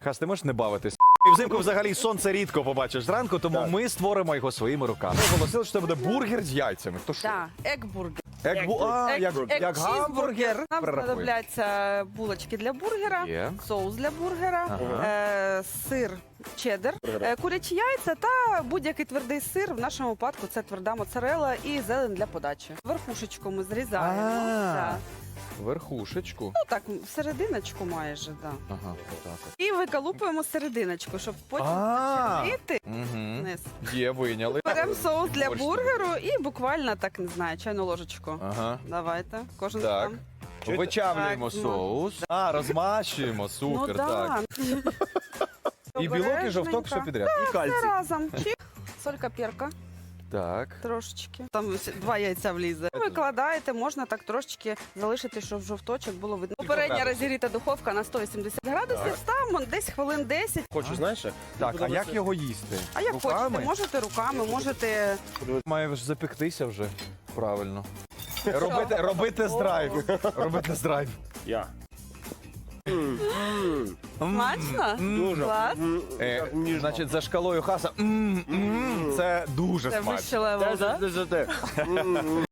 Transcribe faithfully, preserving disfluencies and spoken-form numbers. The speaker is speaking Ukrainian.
Хас, ти можеш не бавитись? І взимку взагалі сонце рідко побачиш зранку, тому Так. ми створимо його своїми руками. Ми оголосили, що це буде бургер з яйцями. То що? Да, егбургер. Як, бу... а, як, Ек- як гамбургер. ек-чізбургер. Нам Перерахуй. знадобляться булочки для бургера, Є. соус для бургера, Ага. е, сир чеддер, Бургера. е, курячі яйця та будь-який твердий сир. В нашому випадку це тверда моцарелла і зелень для подачі. Верхушечку ми зрізаємо. А. Да. Верхушечку. Ну так, серединочку майже, да. Ага, отак. І виколупуємо серединочку, щоб потім А. зачепити Угу. вниз. Є, вийняли. Беремо соус для Борщ. бургеру і буквально так, не знаю, чайну ложечку. Ага. Давайте, кожен Так. сам. Чуєте? Вичавлюємо Так, ну. соус. А, розмащуємо. Супер, ну, так. І білок, і жовток, все Обережненько. підряд. І Все кальцій. разом. Чик. Солька, перка, Так. трошечки. Там ще два яйця влізе. Викладаєте, можна так трошечки залишити, щоб жовточок було видно. Попередня градусів? розігріта духовка на сто вісімдесят градусів. Ставимо десь хвилин десять. Хочу, знаєш? як? Так, а Подобається- як його їсти? А як Руками? хочете, можете руками, можете... Має ж запектися вже. Правильно. Робити, робити драйв. Робити драйв. Я. Смачно? Дуже. Клас. М, Е, так ніжно. значить, за шкалою хаса. М, м, Це дуже Це смачно. вище левел, Десять да? з десяти. М, м.